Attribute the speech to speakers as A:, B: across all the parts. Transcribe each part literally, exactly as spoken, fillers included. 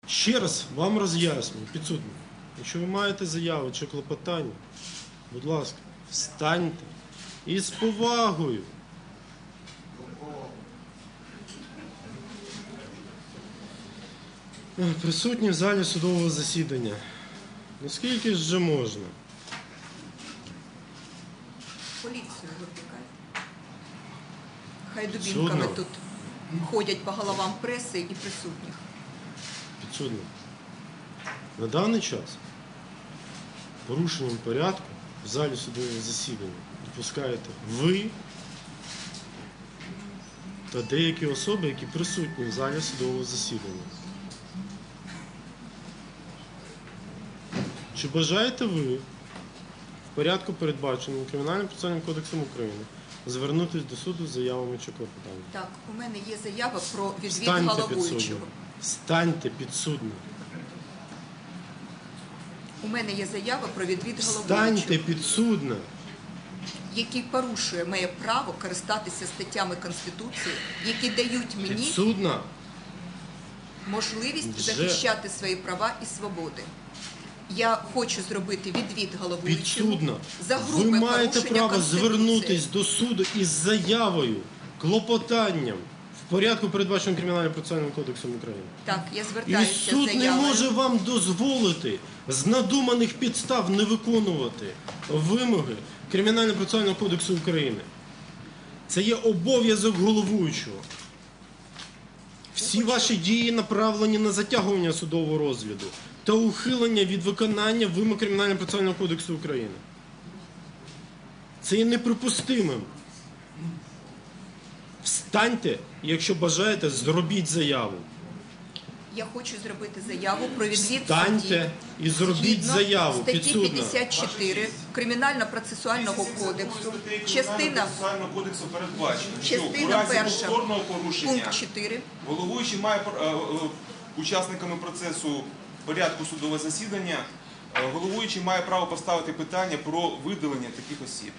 A: Ще раз вам роз'яснюю, підсудний, якщо ви маєте заяви чи клопотання, будь ласка, встаньте і з повагою. Присутні в залі судового засідання. Наскільки ж вже можна?
B: Поліцію викликай. Хай дубінками тут ходять по головам преси і присутніх.
A: Підсудний, на даний час порушенням порядку в залі судового засідання допускаєте ви та деякі особи, які присутні в залі судового засідання. Чи бажаєте ви в порядку, передбаченому Кримінальним процесуальним кодексом України, звернутися до суду з заявами чи клопотаннями?
B: Так, у мене є заява про відвід
A: Станьте
B: головуючого.
A: підсудним. Станьте підсудним.
B: У мене є заява про відвід
A: Станьте
B: головуючого,
A: підсудним.
B: який порушує моє право користатися статтями Конституції, які дають мені
A: Підсудна.
B: можливість
A: Вже.
B: захищати свої права і свободи. Я хочу зробити відвід головуючому
A: Підсудна.
B: за грубе
A: Ви маєте
B: порушення
A: право
B: Конституції.
A: звернутись до суду із заявою, клопотанням в порядку, передбаченому Кримінальним процесуальним кодексом України.
B: Так, я
A: І
B: звертаюся з
A: суд не
B: заявою.
A: може вам дозволити з надуманих підстав не виконувати вимоги Кримінального процесуального кодексу України. Це є обов'язок головуючого. Всі ваші дії направлені на затягування судового розгляду та ухилення від виконання вимог Кримінального процесуального кодексу України. Це є неприпустимим. Встаньте, і якщо бажаєте, зробіть заяву.
B: Я хочу зробити заяву про відвід
A: Встаньте
B: судді.
A: і зробіть
B: Згідно
A: заяву,
B: статті
A: підсудна.
B: п'ятдесят чотири Кримінально-процесуального кодексу, частина,
C: Процесуального кодексу передбачено, що у
B: частина
C: разі
B: перша,
C: повторного порушення
B: пункт чотири.
C: головуючий має е, е, учасниками процесу порядку судового засідання, е, головуючий має право поставити питання про видалення таких осіб.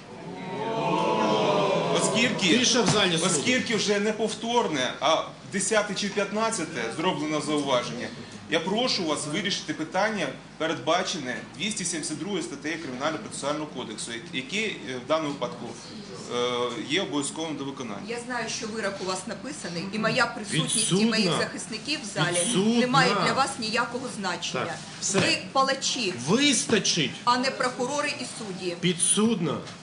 C: Оскільки,
A: Тиша в залі суду.
C: оскільки вже не повторне, а десяте чи п'ятнадцяте зроблено зауваження, я прошу вас вирішити питання, передбачене двісті сімдесят другою статтею Кримінально-процесуального кодексу, яке е, в даному випадку е, є обов'язковим до виконання.
B: Я знаю, що вирок у вас написаний, і моя присутність і
A: Підсудна.
B: моїх захисників в залі
A: Підсудна.
B: не має для вас ніякого значення.
A: Так, все.
B: Ви палачі,
A: Вистачить,
B: а не прокурори і судді.
A: підсудна.